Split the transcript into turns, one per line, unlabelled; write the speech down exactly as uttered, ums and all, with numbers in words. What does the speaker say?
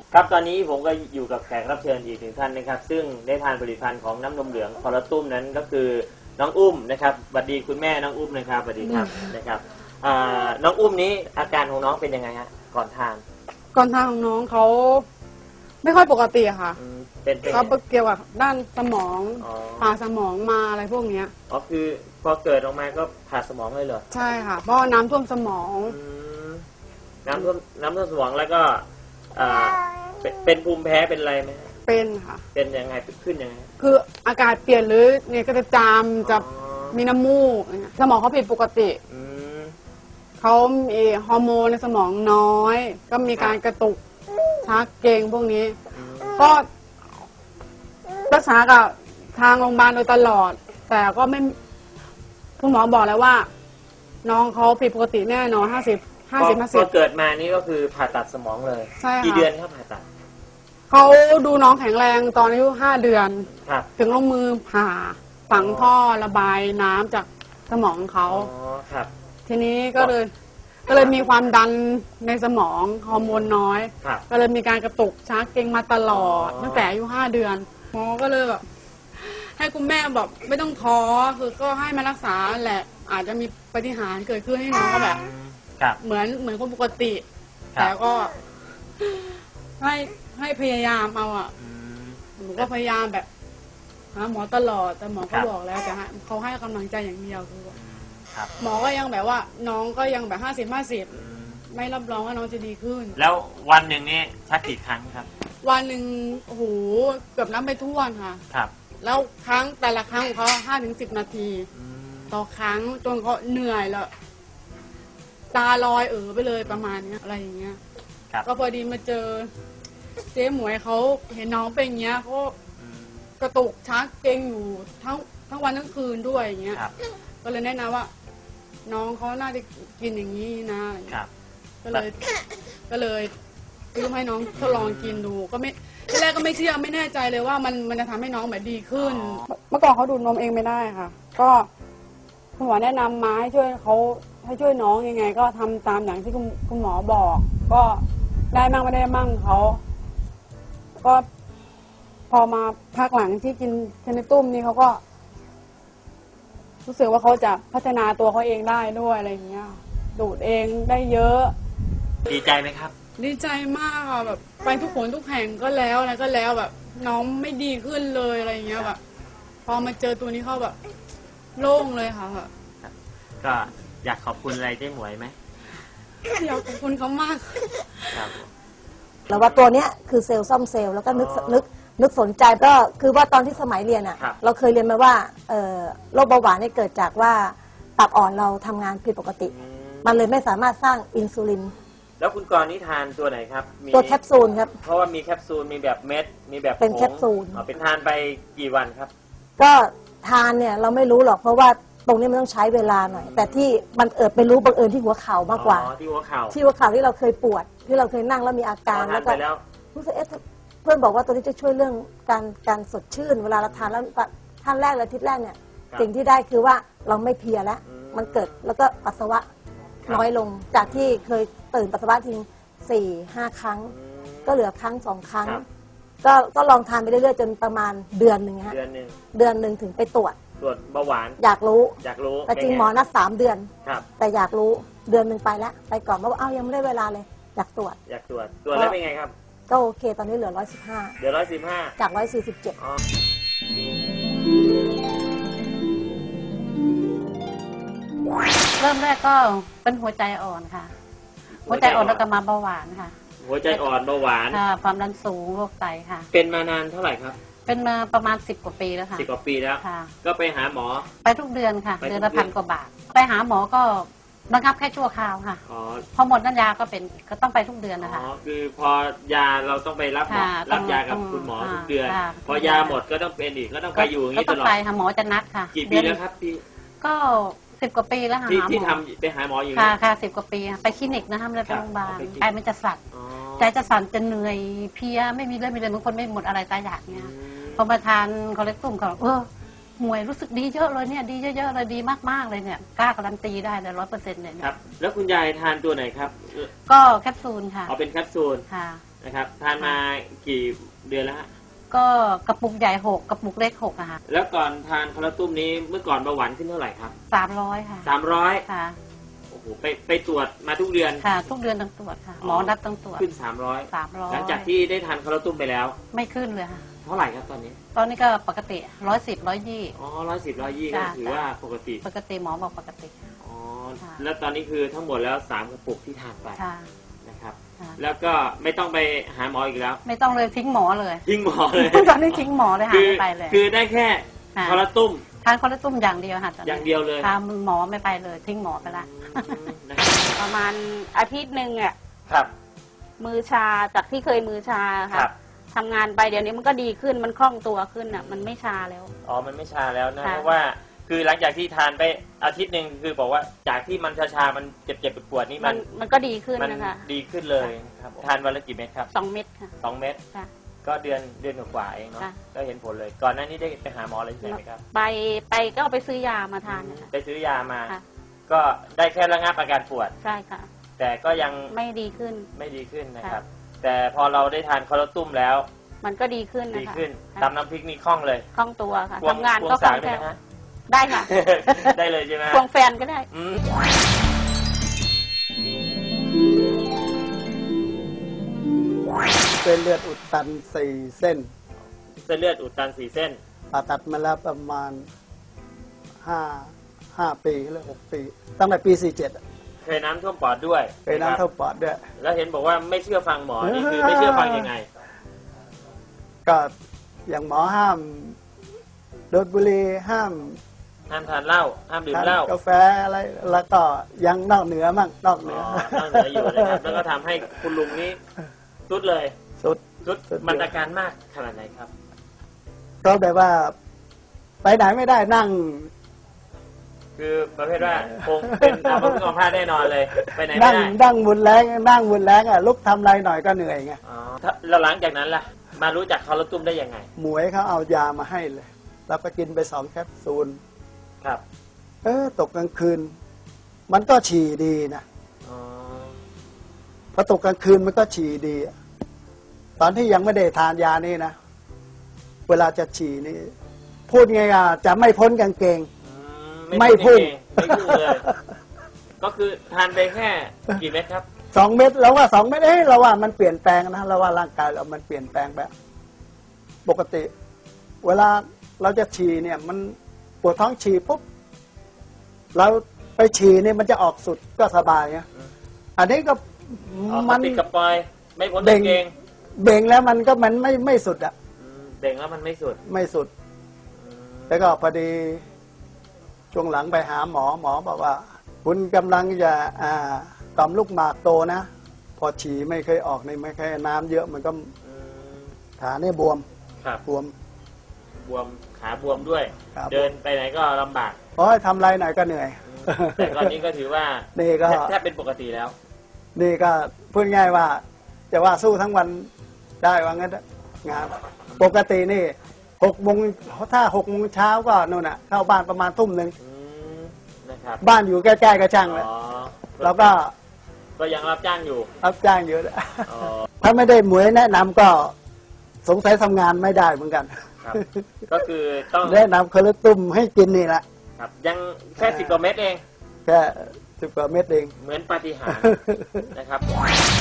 ครับตอนนี้ผมก็อยู่กับแขกรับเชิญอีกหนึ่งท่านนะครับซึ่งได้ทานผลิตภัณฑ์ของน้ำนมเหลืองคอลลาตุ้มนั้นก็คือน้องอุ้มนะครับสวัสดีคุณแม่น้องอุ้มนะครับสวัสดีครับนะครับน้องอุ้มนี้อาการของน้องเป็นยังไงฮะก่อนทาน
ก่อนทานของน้องเขาไม่ค่อยปกติค่ะ
เป็น
เขาเกี่ยวกับด้านสมองผ่าสมองมาอะไรพวกเนี้ย
อ๋อคือพอเกิดออกมาก็ผ่าสมองเลยเหรอ
ใช่ค่ะเพราะน้ำท่วมสมอง
น้ำท่วมน้ำท่วมสมองแล้วก็เป็นภูมิแพ้เป็นอะไรไหม
เป็นค่ะ
เป็นยังไงขึ้นยังไง
คืออากาศเปลี่ยนหรือเนี่ยก็จะจามจะมีน้ำมูกสมองเขาผิดปกติเขามีฮอร์โมนในสมองน้อยก็มีการกระตุกชักเกร็งพวกนี้ก็รักษากับทางโรงพยาบาลโดยตลอดแต่ก็ไม่คุณหมอบอกแล้วว่าน้องเขาผิดปกติแน่นอนห้าสิบห้าสิบห้าสิบ
พอเกิดมานี่ก็คือผ่าตัดสมองเลย
ใช่ค่ะ
กี่เดือนครับผ่าตัด
เขาดูน้องแข็งแรงตอนอายุห้าเดือนถึงลงมือผ่าฝังท่อระบายน้ำจากสมองเขาทีนี้ก็เลยก็เลยมีความดันในสมองฮอร์โมนน้อยก็เลยมีการกระตุกชักเกร็งมาตลอดตั้งแต่อายุห้าเดือนหมอก็เลยแบบให้คุณแม่แบบไม่ต้องท้อคือก็ให้มารักษาแหละอาจจะมีปาฏิหาริย์เกิดขึ้นให้น้องก็แบบเหมือนเหมือนคนปกติแต่ก็ให้ให้พยายามเอาอ่ะหนูก็พยายามแบบหาหมอตลอดแต่หมอก็บอกแล้วแต่เขาให้กำลังใจอย่างเดียวคือหมอก็ยังแบบว่าน้องก็ยังแบบห้าสิบห้าสิบไม่รับรองว่าน้องจะดีขึ้น
แล้ววันหนึ่งนี่ชักกี่ครั้งครับ
วันหนึ่งโอ้โหเกือบนับไม่ถ้วนค่ะ
ครับ
แล้วครั้งแต่ละครั้งของเขาห้าถึงสิบนาทีต่อครั้งจนเขาเหนื่อยแล้วตาลอยเออไปเลยประมาณนี้อะไรอย่างเงี้ยก็พอดีมาเจอเจ๊หมวยเขาเห็นน้องเป็นอย่างเงี้ยเขากระตุกชักเกร็งอยู่ทั้งทั้งวันทั้งคืนด้วยอย่างเงี้ยก็เลยแนะนำว่าน้องเขาน่าจะกินอย่างนี้นะก็เลยก็เลยซื้อให้น้องทดลองกินดูก็ไม่ทีแรกก็ไม่เชื่อไม่แน่ใจเลยว่ามันมันจะทำให้น้องแบบดีขึ้นเมื่อก่อนเขาดูดนมเองไม่ได้ค่ะก็คุณหมอแนะนำมาให้ช่วยเขาให้ช่วยน้องยังไงก็ทำตามอย่างที่คุณคุณหมอบอกก็ได้มั่งไม่ได้มั่งเขาก็พอมาพักหลังที่กินเทนนิตุ้มนี่เขาก็รู้สึกว่าเขาจะพัฒนาตัวเขาเองได้ด้วยอะไรอย่างเงี้ยดูดเองได้เยอะ
ดีใจไหมครับ
ดีใจมากค่ะแบบไปทุกคนทุกแห่งก็แล้วอะไรก็แล้วแบบน้องไม่ดีขึ้นเลยอะไรอย่างเงี้ยแบบพอมาเจอตัวนี้เขาแบบโล่งเลยค่ะ
ก็อยากขอบคุณอะไรเจ๊หมวยไหม
อยากขอบคุณเขามาก
ครับ
แล้วว่าตัวเนี้ยคือเซลล์ซ่อมเซลล์แล้วก็นึกนึกนึกสนใจก็คือว่าตอนที่สมัยเรียนอ่ะเราเคยเรียนมาว่าโรคเบาหวานเนี่ยเกิดจากว่าตับอ่อนเราทำงานผิดปกติมันเลยไม่สามารถสร้างอินซูลิน
แล้วคุณกรณ์นี่ทานตัวไหนครับ
ตัวแคปซูลครับ
เพราะว่ามีแคปซูลมีแบบเม็ดมีแบบ
เป็นแคปซูล
เอาไปทานไปกี่วันครับ
ก็ทานเนี่ยเราไม่รู้หรอกเพราะว่าตรงนี้มันต้องใช้เวลาหน่อยแต่ที่มันเอิดไปรู้บังเอิญที่หัวเข่ามากกว่า
ที่หัวเข่า
ที่หัวเข่าที่เราเคยปวดที่เราเคยนั่งแล้วมีอาการ
แล้วก็
รู้สึกเอ๊ะเพื่อนบอกว่าตัวนี้จะช่วยเรื่องการการสดชื่นเวลาเราทานแล้วท่านแรกเลยทิศแรกเนี่ยสิ่งที่ได้คือว่าเราไม่เพลียแล้วมันเกิดแล้วก็ปัสสาวะน้อยลงจากที่เคยตื่นปัสสาวะทิ้งสี่ห้าครั้งก็เหลือครั้งสองครั้งก็ก็ลองทานไปเรื่อยๆจนประมาณเดือนหนึ่งฮะ
เดือนหนึ่ง
เดือนหนึ่งถึงไปตรวจ
ตรวจเบาหวาน
อยากรู้
อยากรู้
แต่จริงหมอนัดสามเดือน
ครับ
แต่อยากรู้เดือนหนึ่งไปแล้วไปก่อนเพราะว่าเอ้ายังไม่ได้เวลาเลยอยากตรวจ
อยากตรวจตรวจแล้วเป็นไงครับ
ก็โอเคตอนนี้เหลือร้อยสิบห้า
เหลือร้อยสิบห้า
จากร้อยสี่สิบเจ็ด
เริ่มแรกก็เป็นหัวใจอ่อนค่ะหัวใจอ่อนแล้วก็มาเบาหวานค่ะ
หัวใจอ่อนเบาหวาน
ความดันสูงโรคไตค่ะ
เป็นมานานเท่าไหร่ครับ
เป็นมาประมาณสิบกว่าปีแล้วค่ะ
สิบกว่าปีแล้วก็ไปหาหมอ
ไปทุกเดือนค่ะเดือนละพันกว่าบาทไปหาหมอก็ระงับแค่ชั่วคราวค่ะพอหมดน้ำยาก็เป็นก็ต้องไปทุกเดือนนะคะ
อ๋อคือพอยาเราต้องไปรับรับยากับคุณหมอทุกเดือนพอยาหมดก็ต้องเป็นอีกก็ต้องไปอยู่อย่างนี้ตลอดก็
ต้องไปหาหมอจะนัดค่ะ
กี่ปีแล้วครับพี่
ก็สิบกว่าปีแล้วค่ะ
ที่ทำไปหาหมออยู่
ค่ะค่ะสิบกว่าปีไปคลินิกนะคะไม่ได้ไปโรงพยาบาลใจมันจะสั่นใจจะสั่นจะเหนื่อยเพียไม่มีเรื่องมีเลยบางคนไม่หมดอะไรตายอยากเนี่ยพอมาทานคอเลสเตอรอลเขาเออหวยรู้สึกดีเยอะเลยเนี่ยดีเยอะๆเลยดีมากๆเลยเนี่ยกล้าการันตีได้เลยร้อยเปอร์เซ็นต์เลย
ครับแล้วคุณยายทานตัวไหนครับ
ก็แคปซูลค่ะ
อ๋อเป็นแคปซูล
ค่ะ
นะครับทานมากี่เดือนแล้วฮะ
ก็กระปุกใหญ่หกกระปุกเล็กหกอะค่ะ
แล้วก่อนทานคอลลาตุ้มนี้เมื่อก่อนเบาหวานขึ้นเท่าไหร่ครับ
สามร้อยค่ะ
สามร้อย
ค่ะ
โอ้โหไปไปตรวจมาทุกเดือน
ค่ะ ทุกเดือนต้องตรวจค่ะ หมอนัดต้องตรวจ
ขึ้นสามร้อย
สามร้อย
หลังจากที่ได้ทานคอลลาตุ้มไปแล้ว
ไม่ขึ้นเลยค่ะ
เท่าไหร่ครับตอนนี้
ตอนนี้ก็ปกติร้อยสิบร้อยยี่
อ๋อร้อยสิบร้อยยี่ก็
จ้ะ
ถือว่าปกติ
ปกติหมอบอกปกติ
อ๋อ
ค่ะ
แล้วตอนนี้คือทั้งหมดแล้วสามกระปุกที่ทานไป
ค่ะ
นะครับ
ค่ะ
แล้วก็ไม่ต้องไปหาหมออีกแล้ว
ไม่ต้องเลยทิ้งหมอเลย
ทิ้งหมอเลย
ตอนนี้ทิ้งหมอเลยหา
คือ
ไม่ไปเลย
คือได้แค่
ค่ะ
คอลลาตุ้ม
ทานคอลลาตุ้มอย่างเดียวค่ะตอนนี้
อย่างเดียวเลย
ทานหมอไม่ไปเลย ทิ้งหมอไปละ
อืมนะครับ
ประมาณอาทิตย์หนึ่งอ่ะ
ครับ
มือชาจากที่เคยมือชา
ครั
ค่ะ
บ
ทำงานไปเดี๋ยวนี้มันก็ดีขึ้นมันคล่องตัวขึ้นอ่ะ มันไม่ชาแล้ว
อ๋อ มันไม่ชาแล้วนะ
ค่ะ
เพราะว่าคือหลังจากที่ทานไปอาทิตย์หนึ่งคือบอกว่าจากที่มันชาๆมันเจ็บๆปวดๆนี่
มั
มัน น
มันก็ดีขึ้น
มัน
นะคะ
ดีขึ้นเลยนะครับทานวันละกี่เม็ดครับ
สองเม็ดค่ะ
สองเม็ด
ค่ะ
ก็เดือนเดือนกว่าๆเองเนาะ
ค่ะ
ก็เห็นผลเลย ก่อนหน้านี้ได้ไปหาหมออะไรที่ไหนไหมครับ
ไปไปก็ไปซื้อยามาทานนะคะ
ไปซื้อยามา
ค่ะ
ก็ได้แค่ระงับอาการปวด
ใช่ค่ะ
แต่ก็ยัง
ไม่ดีขึ้น
ไม่ดีขึ้นนะครับ แต่พอเราได้ทานคอลลาตุ้มแล้ว
มันก็ดีขึ้น
ดี
นะคะ
ขึ้น
ค่ะ
ตำน้ำพริกนี่คล่องเลย
คล่องตัวค่ะ
ควง
ทำงาน
คว
ก็
ง
คล่
สา
อ
ว
ง
ได้
แคล่
ไหม
ว
ฮะ
ได้ค่ะ
ได้เลยใช่ไหม
ควงแฟนก็ได้
อืม
เส้นเลือดอุดตันสี่เส้น
เส้นเลือดอุดตันสี่เส้น
ผ่าตัดมาแล้วประมาณห้าห้าปีหรือหกปี ตั้งแต่ปีสี่เจ็ด
เคยน้ำท่วมปอดด้วย
เคยน้ำท่วมปอดด้วย
แล้วเห็นบอกว่าไม่เชื่อฟังหมอ นี่คือไม่เชื่อฟังยังไง
ก็อย่างหมอห้ามดูดบุหรี่ห้าม
ห้ามทานเหล้า ห้ามดื่ม
ทาน
เหล้า
กาแฟอะไร แล้วก็ยังนอกเหนือมั่งนอกเหนื
อ๋
อ
อนั่งเหนืออยู่นะครับ แล้วก็ทำให้คุณลุงนี้สุดเลย
สุด
สุด
สุด
มันอาการมากขนาดไหนครับ
ก็แบบว่า ไปไหนไม่ได้นั่ง
คือประเภทว่าคงเป็นอาภาพเอาผ้าแน่นอนเลย ไปไหนไม่
นั่ง
ได้
นั่งบุญแรงนั่งบุญแรงอ่ะลุกทำอะไรหน่อยก็เหนื่อยไง
อ๋อถ้าแล้วหลังจากนั้นล่ะ มารู้จักคอลลาตุ้มได้ยังไง
หมวยเขาเอายามาให้เลย แล้วก็กินไปสองแคปซูล
ครับ
เออตกกลางคืน มันก็ฉี่ดีนะ
อ๋อ
พอตกกลางคืนมันก็ฉี่ดีอะตอนที่ยังไม่ได้ทานยานี่นะ เวลาจะฉี่นี่ พูดไงอ่ะจะไม่พ้นกางเกง
อื
ไม่พุ่ง
ไม่พุ่งเลย ก็คือทานไปแค่กี่เม็ดครับ
สองเม็ดเราว่าสองเม็ดเอ้ยเราว่ามันเปลี่ยนแปลงนะเราว่าร่างกายเรามันเปลี่ยนแปลงแบบปกติ เวลาเราจะฉี่เนี่ย มันปวดท้องฉี่ปุ๊บเราไปฉี่เนี่ยมันจะออกสุดก็สบายนะ
อืม
อันนี้ก็
อ๋อ
มัน
ติดกับปลอย ไม่พ้น
เบ่
กาง งเกง
เบ่งแล้วมันก็มันไม่ไม่สุดอะ
อืมเบ่งแล้วมันไม่สุด
ไม่สุด
อืม
แล้วก็พอดีช่วงหลังไปหาหมอหมอบอกว่า คุณกำลังจะอ่าต่อมลูกหมากโตนะ พอฉี่ไม่เคยออกในไม่เคยน้ำเยอะมันก็
อืม
ขาเนี่ยบวม
ครับ
บวม
บวม ขาบวมด้วย
ครับ
เดินไปไหนก็ลำบาก
เพราะให้ทำอะไรหน่อยก็เหนื่อย
อืมแต่ตอนนี้ก็ถือว่า
นี่ก็
แทบแทบเป็นปกติแล้ว
นี่ก็พูดง่ายว่า จะว่าสู้ทั้งวันได้ว่างั้นเถอะงานปกตินี่หกโมงถ้าหกโมงเช้าก็นู่นน่ะเข้าบ้านประมาณทุ่มหนึ่ง
อืมนะครับ
บ้านอยู่ใกล้ๆกับช่างเลย
อ๋อ
แล้วก็
ก็ยังรับจ้างอยู่
รับจ้างอยู่
อ๋อ
ถ้าไม่ได้หมวยแนะนำก็สงสัยทำงานไม่ได้เหมือนกัน
ครับ ก็คือต้อง
แนะนำคอลลาตุ้มให้กินนี่แหละ
ครับ ยังแค่สิบกว่าเม็ดเอง
แค่สิบกว่าเม็ดเอง
เหมือนปาฏิหาริย์นะครับ